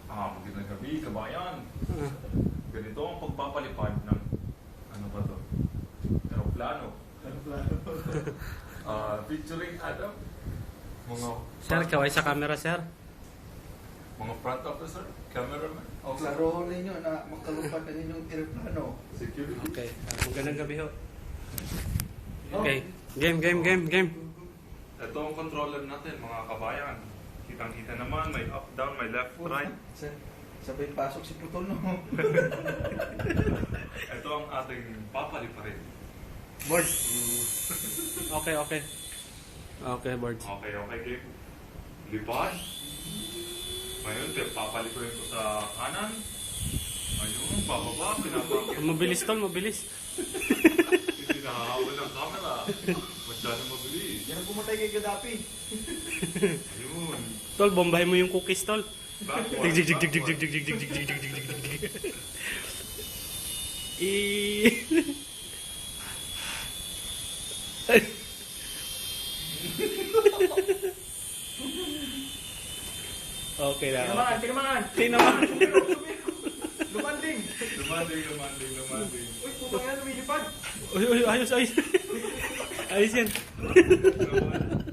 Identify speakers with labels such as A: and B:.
A: Magandang gabi, kabayan. Ganito ang pagpapalipad ng ano ba to? Aeroplano. Featuring Adam.
B: Sir, kaway sa camera, sir.
A: Mga front officer, cameraman.
C: O klaro ninyo na makalupad na ninyong aeroplano.
A: Security.
B: Okay, magandang gabi ho. Okay, game.
A: Ito ang controller natin, mga kabayan. Kitang-kita naman, may up, down, may left, right.
C: Sabay pasok si Putol, no?
A: Ito ang ating papaliparin.
B: Board. Okay. Okay, board.
A: Okay, game. Lipad. Ngayon, papaliparin ko sa kanan. Ayun, bababa, pinapakit.
B: Mabilis tol, mabilis.
A: Hindi nakahawal ng camera. Masyadong mabilis.
C: Yan ang pumatay kay Gaddafi.
A: Ayun.
B: Tol, bombahin mo yung cookies, tol.
A: Backward.
B: Okay na.
C: Tinaman! Lumanding!
A: Lumanding.
C: Uy, puto yan, lumilipad!
B: Ayos. Ayos yan.
A: Lumanding.